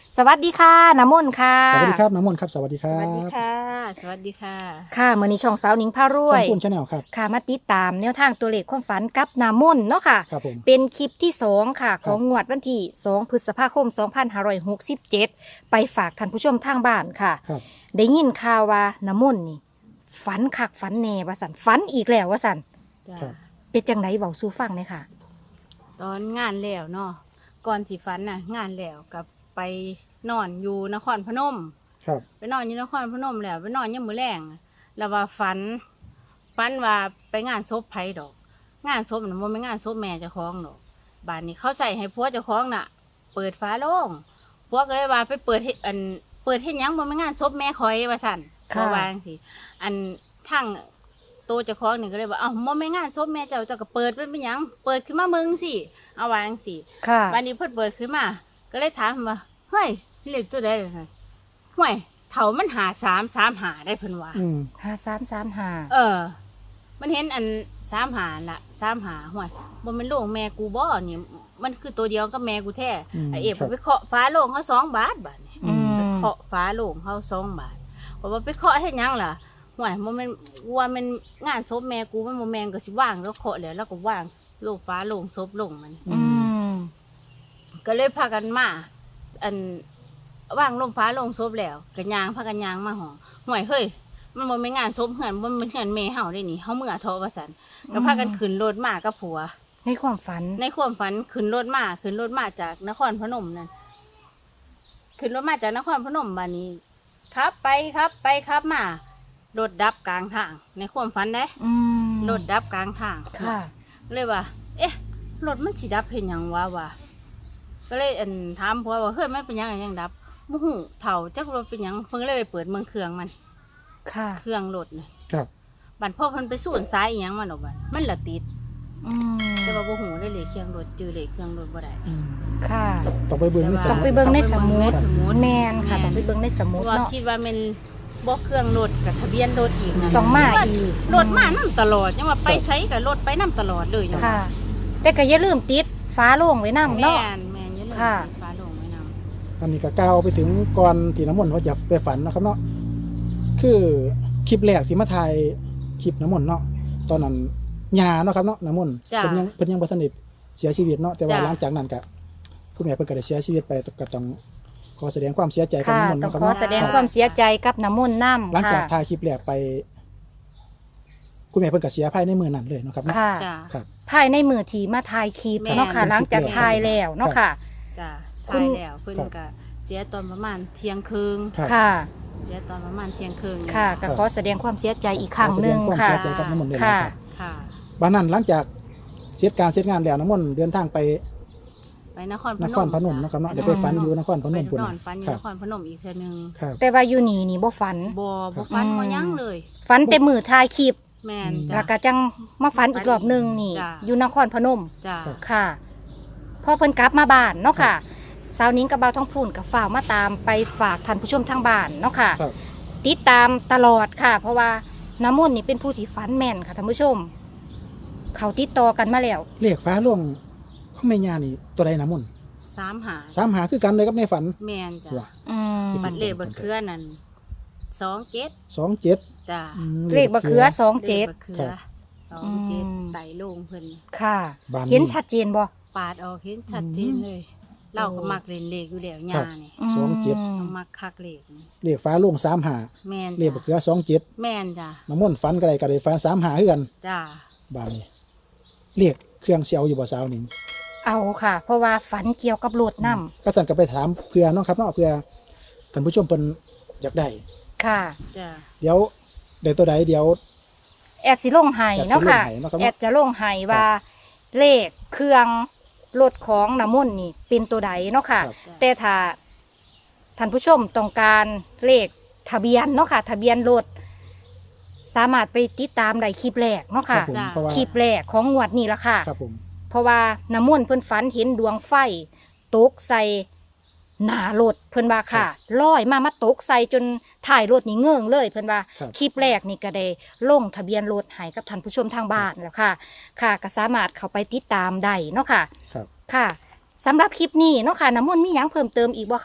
สวัสดีค่ะน้ำมนต์ค่ะสวัสดีครับน้ำมนต์ครับสวัสดีคสรับวัสดีค่ะ สวัสดีค่ะค่ะมื้อนี้ช่องสาวหนิงพารวช่อย งปุ้นชาแนลครับค่ะมาติดตามแนวทางตัวเลขความฝันกับน้ำมนต์เนาะค่ะครับผมเป็นคลิปที่2ค่ะคขรับองงวดวันที่2พฤษภาคม 2567 ไปฝากท่านผู้ชมทางบ้านค่ะครับได้ยินข่าวว่าน้ำมนต์นี่ฝันคักฝันแน่ว่าสันฝันอีกแล้วว่าสันจ้าครับเป็นจังไดเว้าสู่ฟังเลยค่ะตอนงานแล้วเนาะ ก่อนสิฝันน่ะ งานแล้วกับไปนอนอยู่นครพนมครับไปนอนอยู่นครพนมแล้วไปนอนยังมื้อแรงแล้วว่าฝันว่าไปงานศพไผดอก งานศพน่ะบ่แม่นงานศพแม่เจ้าของดอกบ้านนี้เขาใส่ให้ผัวเจ้าของน่ะ เปิดฝาโล่งผัวก็เลยว่าไปเปิดเฮ็ดเปิดเฮ็ดหยังบ่แม่นงานศพแม่คอยว่าซั่นค่ะบ่ว่าจังซี่อันทั้งโตเจ้าของนี่ก็เลยว่าเอ้าบ่แม่นงานศพแม่เจ้าก็เปิดมันเป็นหยังเปิดขึ้นมามึงสิเอาว่าจังซี่ค่ะวันนี้เพิ่นเปิดขึ้นมา ก็เลยถามว่าเฮ้ยเลขตัวใดล่ะห่วยเถามันหา335ได้เพิ่นว่าอืม 5335 เออ มันเห็นอัน35ละ35ห่วยบ่แม่นโลงแม่กูบ่นี่มันคือตัวเดียวกับแม่กูแท้อืมไอ้เอฟครับไปเคาะฟ้าโลงเขา2 บาทบาดนี่อืมไปเคาะฟ้าโลงเขา2 บาทบอกว่าไปเคาะเฮ็ดหยังล่ะห่วยบ่แม่นว่ามันงานศพแม่กูมันบ่แม่นก็สิว่างแล้วเคาะแล้วแล้วก็ว่างโลงฟ้าโลงศพลงมันอืมก็เลยพากันมาอันว่างลมฟ้าลงศพแล้วกันยางพากันยางมาห่วยเฮ้ยมันบ่แม่นงานศพเหือนบ่แม่นเหือนแม่เฮาได้นี่เฮาเมื่อเทาะว่าซั่นก็พากันขึ้นรถมากับผัวในความฝันในความฝันขึ้นรถมาจากนครพนมนั่นขึ้นรถมาจากนครพนมบัดนี้ครับไปครับมารถดับกลางทาง ในความฝันเด้อืมรถดับกลางทางค่ะเลยว่า เอ๊ะ รถมันสิดับเห็นหยังวะก็เลยถามผัวว่าเฮ้ยมันเป็นหยังยังดับมูหูเถ่าจักรถเป็นหยังเพิ่งเลยไปเปิดเมืองเครื่องมันค่ะเครื่องรถน่ะครับบัดพ่อเพิ่นไปสูนซ้ายอีหยังมันออกบัดมันละติดอืมแต่ว่าบ่หูได้เลยเครื่องรถจื้อเลยเครื่องรถบ่ได้อืมค่ะต้องไปเบิ่งในสต้องมุไปดเบิ่งในสมุดต้องไปเบิ่งในสมุดแมนค่ะแม่นต้องไปเบิ่งในสเพมุดราะว่าเนาะคิดว่ามันบ่เครื่องรถกับทะเบียนรถอีกนะต้องมาอีกรถมานํตลอดยังว่าไปไสกับรถไปนํตลอดเลยยังว่าค่ะ แต่ก็อย่าลืมติดฟ้าโล่งไว้นำแม่เนาะนอย่าลืมค่ะติดฟ้าโลงไว้นำอันนี้ก็ก้าวไปถึงก่อนที่น้ำมนต์ว่าจะไปฝันนะครับเนาะคือคลิปแรกที่มาถ่ายคลิปน้ำมนต์เนาะตอนนั้นยาเนาะครับเนาะน้ำมนต์จ้ะเพิ่นยังบ่ทันได้เสียชีวิตเนาะแต่ว่าจ้ะหลังจากนั้นก็คุณแม่เพิ่นก็ได้เสียชีวิตไปก็ต้องขอแสดงความเสียใจกับค่ะน้ำมนต์ต้องเนาะครับขอเนาะแสดงความเสียใจกับน้ำมนต์น้ำหลังจากค่ะถ่ายคลิปแรกไป คุณแม่เพิ่นก็เสียภายในมื้อนั้นเลยเนาะครับเนาะค่ะจ้าครับภายในมือที่มาถ่ายคลิปแม่นเนาะค่ะ หลังจากถ่ายแล้วเนาะค่ะจ้าคุตาณยแล้วเพิ่นก็เสียตอนประมาณเที่ยงคืนครับค่ะเสียตอนประมาณเที่ยงคืนค่ะก็ขอแสดงความเสียใจอีกครั้งหนึ่งขอแสดความค่ะเสียใจกับน้ำมนต์เลยนะค่ะครับค่ะบ้านนั้นหลังจากเสร็จการเสร็จงานแล้วน้ำมนต์เดินทางไปไปนครพนนมครพนมนะครับเนาะเดี๋ยวไปฝันอยู่นครพนมไปพุ่นนอนน่ะฝันอยู่ครันบครพนมอีกเทื่อนึงครับแต่ว่าอยู่นี่บ่ฝันบ่ฝันบ่หยังเลยฝันแต่มือถ่ายคลิปแม่นแล้จ้าวก็จังมาฝันอีกรอบหนึงนี่จ้ะอยู่นครพนมจ้าค่ะพอเพิ่นกลับมาบ้านเนาะค่ะสาวนิ้งกับเบาท้องพูนกับฝ่าวมาตามไปฝากท่านผู้ชมทางบ้านเนาะค่ะครับติดตามตลอดค่ะ เพราะว่าน้ำมนต์นี่เป็นผู้ที่ฝันแม่นค่ะท่านผู้ชม เขาติดต่อกันมาแล้วเลขฟ้าล่วงของแม่ย่านี่ตัวใดน้ำมนต์ 3 หา 3 หาคือกันเลยกับในฝันแม่นจ้าว่ะอืมบัดเลขบัดเครือนั่น27 27 จ้าเลขบะเขือสองเจ็ดลขบัดเครือครับ 27ไต่ลงเพิ่นค่ะบ้านเห็นชัดเจนบ่ปาดออกเห็นชัดเจนเลย เราก็มักเล่นเลขอยู่แล้วย่านี่อืมต้องมักคักเลขนี่เลขฟ้าล่วง3 หาแม่นเลขบะเขืจ้ะอ27 แม่นจ้ะน้ำมนต์ฝันก็ได้ฝัน3 หาคือกันจ้าบ้านนี้เลขเครื่องเสียวอยู่บ่สาวนี่เอาค่ะ เพราะว่าฝันเกี่ยวกับรถน้ก็สั่นก็ไปถามเพื่อเนาะครับเนาะเพื่อท่านผู้ชมเพิ่นอยากได้ำค่ะจ้าเดี๋ยวได้ตัวใดเดี๋ยวแอดสิลงไห้เนาะค่ะแอดสิลงไห้เนาะครับแอดจะลงไห้ว่าเลขเครื่องรถของน้ำมนต์นี่เป็นตัวใดเนาะค่ะครับแต่ถ้าท่านผู้ชมต้องการเลขทะเบียนเนาะค่ะ ทะเบียนรถสามารถไปติดตามได้คลิปแรกเนาะครัค่ะบผมเพราะว่าคลิปแรกของงวดนี้ละค่ะครับผมเพราะว่าน้ำมนต์เพิ่นฝันเห็นดวงไฟตกใส่หน้ารถเพิ่นว่าค่ะลอยมาตกใส่จนถ่ายรถนี่เงื่องเลยเพิ่นว่าครับคลิปแรกนี่ก็ได้ลงทะเบียนรถให้กับท่านผู้ชมทางบ้านแล้วค่ะ ค่ะก็สามารถเข้าไปติดตามได้เนาะค่ะครับค่ะสำหรับคลิปนี้เนาะค่ะน้ำมนต์มีหยังเพิ่มเติมอีกบ่คะ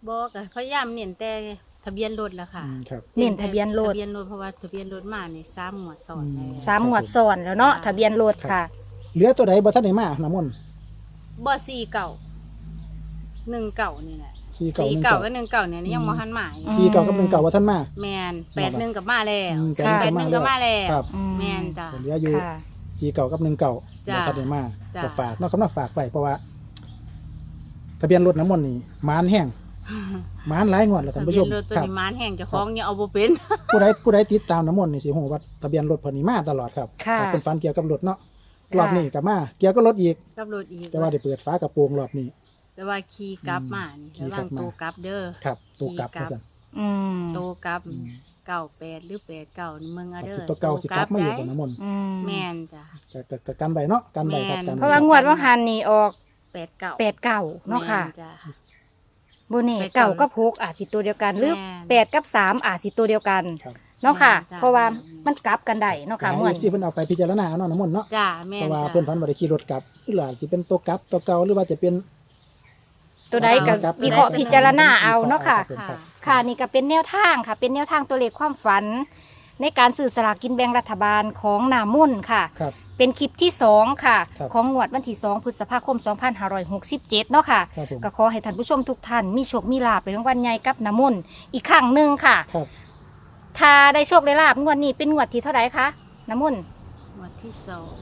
บอกก็พยายามเน้นแต่ทะเบียนรถละค่ะครับเน้นทะเบียนรถทะเบียนรถเพราะว่าทะเบียนรถมานี่3หมวดสอนแล้วสามงวดซ้อนแล้วเนาะทะเบียนรถค่ะเหลือตัวใดบ่ทันได้มาน้ำมนต์บ่4เก่า1เก่านี่แหละสี่เก่า 4เก่ากับ1เก่าเนี่ยยังบ่ทันมาอยู่สี่เก่ากับ1เก่าบ่ทันมาแม่น81กับมาแล้วค่ะ 81ก็มาแล้วครับแม่นจ้ะเหลืออยู่ค่ะสี่เก่ากับ1เก่าจ้ะบ่ทันได้มาจ้ะก็ฝากเนาะครับเนาะฝากไว้เพราะว่า ทะเบียนรถน้ำมนต์นี่มานแห้งมานหลายงวดแล้วท่านทะผู้เบีชยมนรถตัวครับนี้มานแห่งเจ้าของยังเอาบ่เป็นผู้ใดติดตามน้ำมนต์นี่สิฮู้ว่าทะเบียนรถเพิ่นนี่มาตลอดครับค่ะเป็นฝันเกี่ยวกับรถเนาะค่ะรอบนี้ก็มาเกี่ยวกับรถอีกกับรถอีกแต่ว่าได้เปิดฝากระโปรงรอบนี้แต่ว่าขี่กลับมานี่ขี่ระกลัวับงมาโตกลับเด้อครับตัวกลับขี่กลับว่าซั่นอืมโตกลับอืม 98หรือ89นี่มึงเอาเด้อตัวเก่าสิกลับมาอยู่ได้กับน้ำมนต์อืมแม่นจ้ะก็กันใบเนาะกันใบครับแม่นกันใบเพราะว่างวดว่าหันนี่ออก 89 8 9เนาะค่ะแม่จ้ะโบเน่แปดเก่าเก้ากับ6อาจสิตัวเดียวกันหรือแม่น 8กับ3อาจสิตัวเดียวกันครับเนาะค่ะแม่นจ้ะเพราะว่ามันกลับกันได้เนาะค่ะให้ม่วน FC เพิ่นเอาไปพิจารณาเอาเนาะน้ำมนต์เนาะจ้ะแม่เพนราะว่าจ้ะเพิ่นฝันว่าได้ขี่รถกลับหรือว่าสิเป็นตัวกลับตัวเก่าหรือว่าจะเป็นตัวใดก็ครับวิเคราะห์พิจารณาเอาเนาะค่ะครับค่ะนี่ก็เป็นแนวทางค่ะ เป็นแนวทางตัวเลขความฝัน ในการสื่อสลากกินแบ่งรัฐบาลของนามุ่นค่ะครับเป็นคลิปที่2ค่ะครับของงวดวันที่2พฤษภาคม 2567เนาะค่ะครับผมก็ขอให้ท่านผู้ชมทุกท่านมีโชคมีลาภในรางวัลใหญ่กับน้ำมนต์อีกครั้งหนึ่งค่ะครับถ้าได้โชคได้ลาภงวดนี้เป็นงวดที่เท่าไหร่คะน้ำมนต์หมวดที่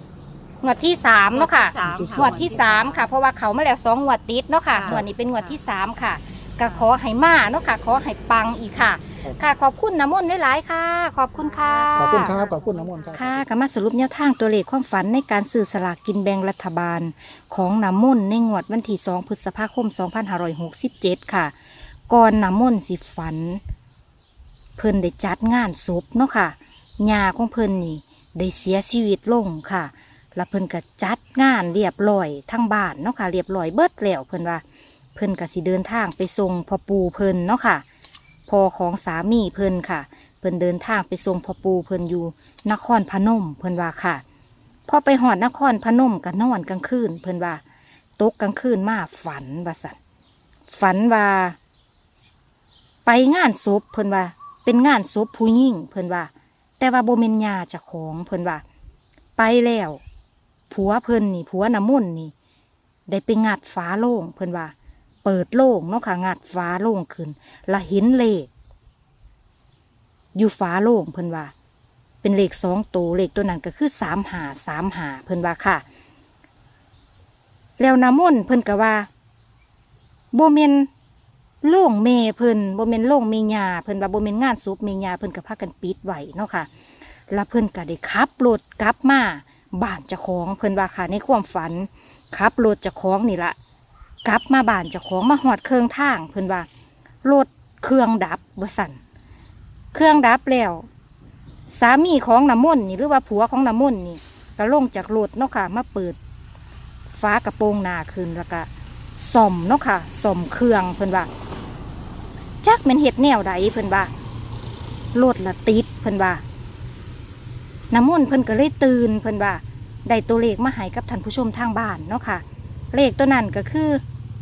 2 งวดที่3เนาะค่ะงวดที่สามงวดที่3ค่ะเพราะว่าเขามาแล้ว2งวดติดเนาะค่ะค่ะงวดนี้เป็นงวดที่3ค่ะก็ขอให้มาเนาะค่ะขอให้ปังอีกค่ะครับค่ะขอบคุณน้ำมนต์หลายๆค่ะ ขอบคุณค่ะขอบคุณครับขอบคุณน้ำมนต์ครับค่ะก็มาสรุปแนวทางตัวเลขความฝันในการซื้อสลากกินแบ่งรัฐบาลของน้ำมนต์ในงวดวันที่2พฤษภาคม 2567 ค่ะ ก่อนน้ำมนต์สิฝัน เพิ่นได้จัดงานศพเนาะค่ะญาของเพิ่นนี่ได้เสียชีวิตลงค่ะ แล้วเพิ่นก็จัดงานเรียบร้อยทั้งบ้านเนาะค่ะเรียบร้อยเบิดแล้วเพิ่นว่า เพิ่นก็สิเดินทางไปส่งพ่อปู่เพิ่นเนาะค่ะพ่อของสามีเพิ่นค่ะ เพิ่นเดินทางไปส่งพ่อปู่เพิ่นอยู่นครพนมเพิ่นว่าค่ะพอไปหอดนครพนมก็นอนกลางคืนเพิ่นว่าตกกลางคืนมาฝันว่าสั่นฝันว่า ไปงานศพเพิ่นว่า เป็นงานศพผู้หญิงเพิ่นว่า แต่ว่าบ่แม่นญาเจ้าของเพิ่นว่า ไปแล้วผัวเพิ่นนี่ผัวน้ำมนต์นี่ ได้ไปงัดฝาโล่งเพิ่นว่า เปิดโล่งเนาะค่ะงัดฝาโล่งขึ้นแล้วเห็นเลขอยู่ฝาโล่งเพิ่นว่า เป็นเลข2ตัวเลขตัวนั้นก็คือ3535เพิ่นว่าค่ะ แล้วน้ำมนต์เพิ่นก็ว่าบ่แม่นโล่งเมเพิ่นบ่แม่นโล่งเมญาเพิ่นว่าบ่แม่นงานศพเมญาเพิ่นก็พากันปิดไว้เนาะค่ะ แล้วเพิ่นก็ได้ขับรถกลับมาบ้านเจ้าของเพิ่นว่าค่ะในความฝันขับรถเจ้าของนี่ละกลับมาบ้านเจ้าของมาหอดเครื่องทางเพิ่นว่ารถเครื่องดับบ่สั่นเครื่องดับแล้ว สามีของน้ำมนต์นี่หรือว่าผัวของน้ำมนต์นี่ก็ลงจากรถเนาะค่ะมาเปิดฟ้ากระโปรงหน้าขึ้นแล้วก็ส่อมเนาะค่ะส่อมเครื่องเพิ่นว่าจักแม่นเฮ็ดแนวใดเพิ่นว่ารถละติดเพิ่นว่าน้ำมนต์เพิ่นก็เลยตื่นเพิ่นว่าได้ตัวเลขมาให้กับท่านผู้ชมทางบ้านเนาะค่ะเลขตัวนั้นก็คือ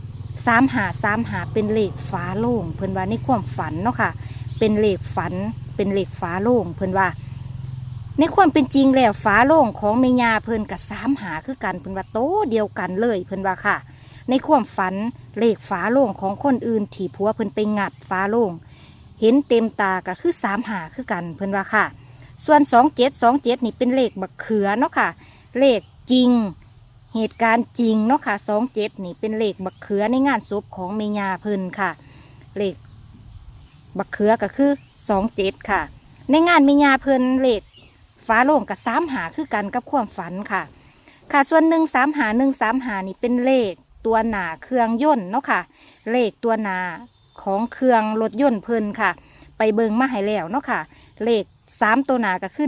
3535เป็นเลขฝาโล่งเพิ่นว่าในความฝันเนาะค่ะเป็นเลขฝันเป็นเลขฝาโล่งเพิ่นว่าในความเป็นจริงแล้วฝาโล่งของแม่ย่าเพิ่นกับ35คือกันเพิ่นว่าโตเดียวกันเลยเพิ่นว่าค่ะในความฝันเลขฝาโล่งของคนอื่นที่ผัวเพิ่นไปงัดฝาโล่งเห็นเต็มตาก็คือ35คือกันเพิ่นว่าค่ะส่วน27นี่เป็นเลขบักเขือเนาะค่ะเลขจริงเหตุการณ์จริงเนาะค่ะ27นี่เป็นเลขบักเขือในงานศพของแม่ย่าเพิ่นค่ะเลขบักเขือก็คือ27ค่ะในงานแม่ย่าเพิ่นเลขฝาโล่งกับ35คือกันกับความฝันค่ะค่ะส่วน135นี่เป็นเลขตัวหน้าเครื่องยนต์เนาะค่ะเลขตัวหน้าของเครื่องรถยนต์เพิ่นค่ะ ไปเบิงมาให้แล้วเนาะค่ะเลข3ตัวหน้าก็คือ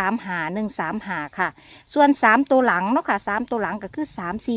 135ค่ะส่วน3ตัวหลังเนาะค่ะ3ตัวหลังก็คือ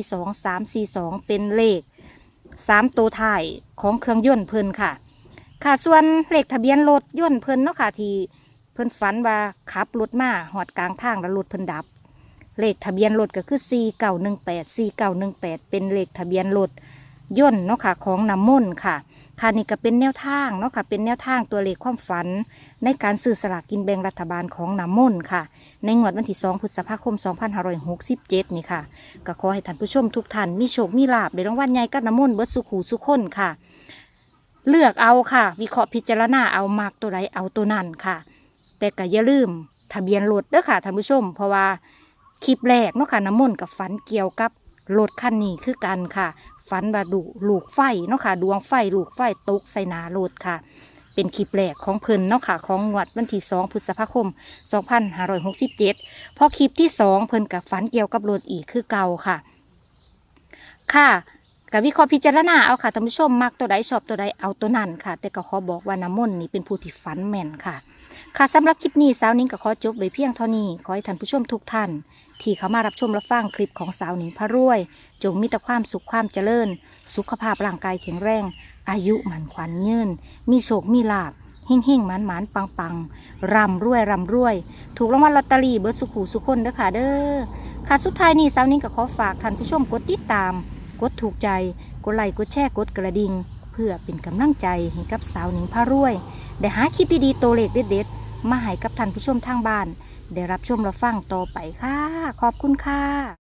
342เป็นเลข3ตัวท้ายของเครื่องยนต์เพิ่นค่ะค่ะส่วนเลขทะเบียนรถยนต์เพิ่นเนาะค่ะที่เพิ่นฝันว่าขับรถมาหอดกลางทางแล้วรถเพิ่นดับเลขทะเบียนรถก็คือ4918เป็นเลขทะเบียนรถยนต์เนาะค่ะของน้ำมนต์ค่ะค่ะนี่ก็เป็นแนวทางเนาะค่ะเป็นแนวทางตัวเลขความฝันในการซื้อสลากกินแบ่งรัฐบาลของน้ำมนต์ค่ะในงวดวันที่2 พฤษภาคม 2567 นี่ค่ะก็ขอให้ท่านผู้ชมทุกท่านมีโชคมีลาภได้รางวัลใหญ่กับน้ำมนต์เบิดสุขหูสุขคนค่ะเลือกเอาค่ะวิเคราะห์พิจารณาเอามากตัวใดเอาตัวนั้นค่ะแต่ก็อย่าลืมทะเบียนรถเด้อค่ะท่านผู้ชมเพราะว่าคลิปแรกเนาะค่ะน้ำมนต์กับฝันเกี่ยวกับรถคันนี้คือกันค่ะฝันว่าลูกไฟเนาะค่ะดวงไฟลูกไฟตกใส่หน้ารถค่ะเป็นคลิปแรกของเพิ่นเนาะค่ะของงวดวันที่2 พฤษภาคม 2567พอคลิปที่2เพิ่นกับฝันเกี่ยวกับรถอีกคือเก่าค่ะค่ะกับวิเคราะห์พิจารณาเอาค่ะท่านผู้ชมมักตัวใดชอบตัวใดเอาตัวนั้นค่ะแต่ก็ขอบอกว่าน้ำมนต์นี่เป็นผู้ที่ฝันแม่นค่ะค่ะสำหรับคลิปนี้สาวนิ้งก็ขอจบไว้เพียงเท่านี้ขอให้ท่านผู้ชมทุกท่านที่เข้ามารับชมรับฟังคลิปของสาวนิ้งพระรวยจงมีแต่ความสุขความเจริญสุขภาพร่างกายแข็งแรงอายุหมันขวัญยืนมีโชคมีลาภเฮ่งๆหมันๆปังๆร่ำรวยถูกรางวัลลอตเตอรี่เบิดสุขหูสุขคนเด้อค่ะเด้อค่ะสุดท้ายนี้สาวนิ้งก็ขอฝากท่านผู้ชมกดติดตามกดถูกใจกดไลค์กดแชร์กดกระดิ่งเพื่อเป็นกำลังใจให้กับสาวนิ้งพระรวยได้หาคลิปดีๆตัวเลขเด็ดๆมาให้กับท่านผู้ชมทางบ้านได้รับชมรับฟังต่อไปค่ะขอบคุณค่ะ